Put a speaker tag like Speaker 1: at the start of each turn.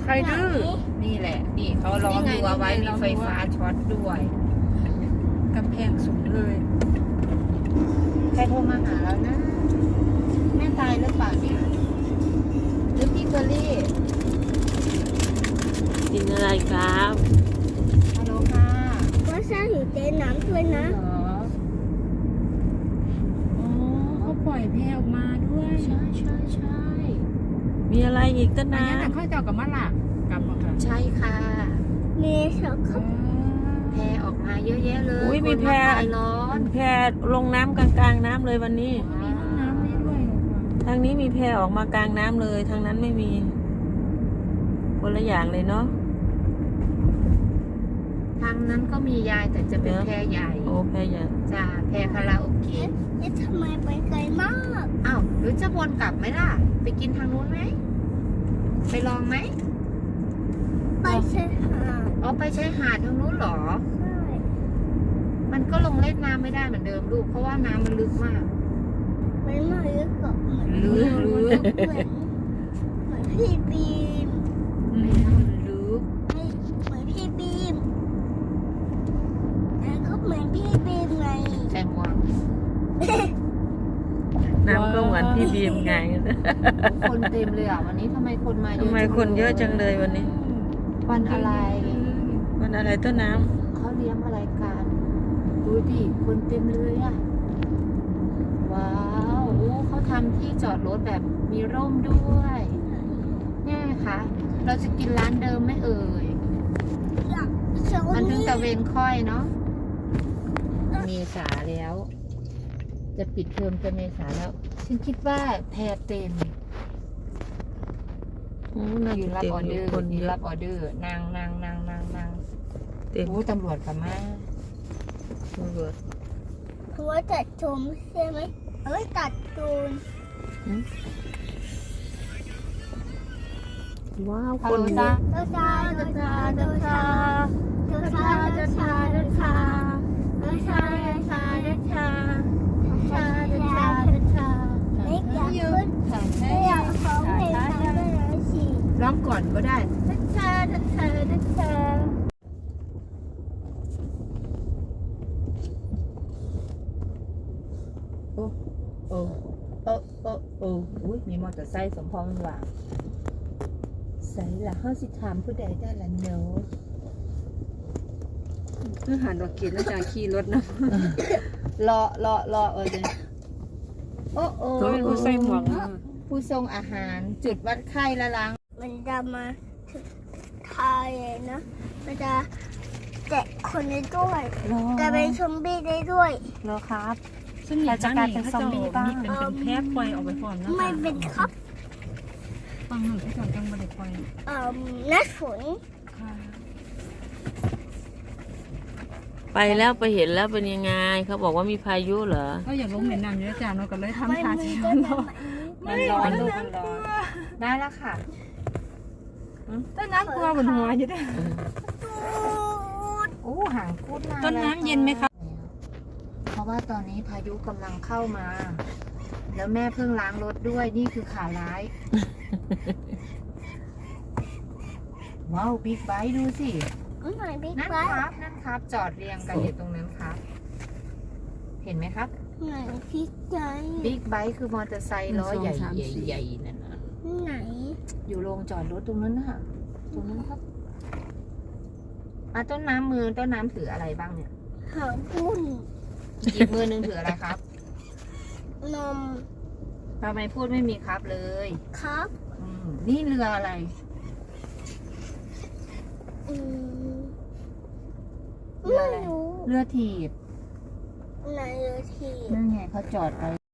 Speaker 1: ใครดื้อนี่แหละนี่เขาล้อมรั้วไว้มีไฟฟ้าช็อตด้วยกำแพงสูงเลยใครโทรมาหาแล้วนะแม่ตายหรือเปล่าเนี่ยหรือพี่เกอรี่
Speaker 2: กินอะไรครับ
Speaker 1: ฮัลโหลค่ะ
Speaker 3: ว่าซ่าอยู่เจ๊น้ำด้วยนะ
Speaker 1: เหรออ๋อเขาปล่อยแพออกมาด้วยใช่ใช่ใช่
Speaker 2: มีอะไรอีกต้น
Speaker 1: อัน
Speaker 2: น้
Speaker 1: นี้แต่เขาเจ้ากับมะละกลับมาค่ะใช่ค่ะ
Speaker 3: มีสองค
Speaker 1: แพออกมาเยอะแยะเลย
Speaker 2: ำอุ้ยมีแพ
Speaker 1: คนมาคลายร้อน
Speaker 2: แพลงน้ำกลางๆน้ำเลยวันนี้
Speaker 1: มีห้องน้ำนี่ด้วยเหรอคะ
Speaker 2: ทางนี้มีแพออกมากลางน้ำเลย ทางนั้นไม่มี คนละอย่างเลยเนาะ
Speaker 1: ทางนั้นก็มียายแต่จะเป็นแพใหญ่
Speaker 2: โอ้แพใหญ่
Speaker 1: จ้าแพคาราโอเกะ
Speaker 3: เอ๊ะทำไมไปไกลมาก
Speaker 1: อ้าวหรือจะวนกลับไหมล่ะ ไปกินทางนู้นไหมไปลองไหม
Speaker 3: ไปชายหาด
Speaker 1: อ๋อไปชายหาดทางนู้นเหรอ
Speaker 3: ใช่
Speaker 1: มันก็ลงเล่นน้ำไม่ได้เหมือนเดิมลูกเพราะว่าน้ำมันลึกมาก
Speaker 3: ไม่มาลึกกับเหมือน
Speaker 1: ลึก
Speaker 3: เหมือนพี่บีม
Speaker 1: ไม่น้ำมันลึก
Speaker 3: ไม่เหมือนพี่บีมแต่ก็เหมือนพี่บีมไง
Speaker 1: ใช่หมวก
Speaker 2: น้ำก็เหมือนพี่บีมไง
Speaker 1: คนเต็มเลยอ่ะวันนี้ทำไมคนมาเยอะ
Speaker 2: ทำไมคนเยอะจังเลยวันนี้
Speaker 1: วันอะไร
Speaker 2: วันอะไรต้นน้
Speaker 1: เขาเลี้ยงอะไรกันดูดิคนเต็มเลยอ่ะว้าวโอ้เขาทำที่จอดรถแบบมีร่มด้วยเนี่ยค่ะเราจะกินร้านเดิมไหมเอ่ย
Speaker 3: โซ
Speaker 1: มันเพิ่ง
Speaker 3: นี่
Speaker 1: ตะเวนค่อยเนาะเมษาแล้ว จะปิดเทอมจะเมษาแล้ว ฉันคิดว่าแพรเต็ม
Speaker 2: ำโอ้น่า
Speaker 1: ยื
Speaker 2: จะ
Speaker 1: นรับ
Speaker 2: เต็ม
Speaker 1: ออ
Speaker 2: อ
Speaker 1: เด
Speaker 2: ยู่
Speaker 1: อร์
Speaker 2: คน
Speaker 1: ยืน
Speaker 2: เย
Speaker 1: รั
Speaker 2: อะ
Speaker 1: บออเดอร์นาง
Speaker 2: เต็ม
Speaker 1: โอ้ตำรวจกับมา
Speaker 2: ตำรวจ
Speaker 3: คือว่าตัดชมใช่ไหมเอ้ยตัดตูน
Speaker 2: ว้าว
Speaker 1: ฮั
Speaker 2: ค
Speaker 1: ล
Speaker 2: น
Speaker 1: โหล
Speaker 2: เย
Speaker 1: จ้า
Speaker 2: อะ
Speaker 3: เดินทางเดินทางเดินทางเดินทางเดินทางเดินทางเดินทางเดินทางเดินทางเดินทางเดินทางไม่อยากขึ้นไม่อยากฟ้องเพลงทำได้เลยสิ
Speaker 1: ร้องก่อนก็ได้
Speaker 3: เดินทางเดินทางเดินทาง
Speaker 1: โอ้อุ้ยมีมอเตอร์ไซค์สมพรมันว่าใส่ละห้าสิถามผู้ใดได้ละเนาะ
Speaker 2: เพื่อหาดอกเกดแล้วจากขี่รถนะ
Speaker 1: รอเออเดี๋ยวโอ้
Speaker 2: เขาเป็นผู้ใส่หมวกนะ
Speaker 1: ผู้ทรงอาหารจุดวัดไข้ละล้าง
Speaker 3: มันจะมาถึงไทยเลยนะมันจะแตะคนได้ด้วยจะเป็นซอมบี้ได้ด้วย
Speaker 1: รอครับ
Speaker 4: ซึ่งมีจะกลายเป็นซอมบี้บ้างเป็นแพะปล่อยออกไปพร้อมนะ
Speaker 3: ไม่เป็นครับ
Speaker 4: ฟังหนึ่งที่สองจังบริปล่อย
Speaker 3: นัดฝน
Speaker 4: ค่ะ
Speaker 2: ไปแล้วไปเห็นแล้วเป็นยังไง เขาบอกว่ามีพายุเหรอ
Speaker 4: ก็อย่าลงเหม็นน้ำเยอะจ้าเนาะก็เลยทำ
Speaker 3: ไม่
Speaker 4: ทา
Speaker 3: มี
Speaker 4: สี
Speaker 3: ได้
Speaker 4: ร้อน
Speaker 1: มันร้อนลูกมันร้อนได้แล้วค่ะ
Speaker 4: ต้นน้ำกลัวบนหัวอยู่ด้วย
Speaker 1: โอ้ห่างพูดมา
Speaker 4: ต้นน้ำเย็นไหมคะ
Speaker 1: เพราะว่าตอนนี้พายุกำลังเข้ามา แล้วแม่เพิ่งล้างรถด้วยนี่คือข่าวร้าย ว้าวบิ๊กไบค์ดูสิ
Speaker 3: ไหนบิ๊ก
Speaker 1: นั่น
Speaker 3: ไบ
Speaker 1: ครับนั่นครับ จอดเรียงกันอยู่ตรงนั้นครับ เห็นไหมครับ
Speaker 3: ไหนบิ๊กไบ
Speaker 1: บิ๊กไบค์คือมอเตอร์ไซค์ล้อใหญ่ใหญ่นั่นนะ
Speaker 3: ไหน
Speaker 1: อยู่โรงจอดรถตรงนั้นน่ะตรงนั้นครับต้นน้ำมือต้นน้ำถืออะไรบ้างเนี่ย
Speaker 3: หางพุ่น
Speaker 1: อีกมือหนึงถืออะไรครับ
Speaker 3: นม
Speaker 1: ทำไมพูดไม่มีครับเลย
Speaker 3: ครับ
Speaker 1: นี่เรืออะไร
Speaker 3: อืม
Speaker 1: เรือ
Speaker 3: ไม่
Speaker 1: อะไร
Speaker 3: รู้
Speaker 1: เรือถีบ
Speaker 3: ไหนเลยที
Speaker 1: นั่นไงเขาจอดไป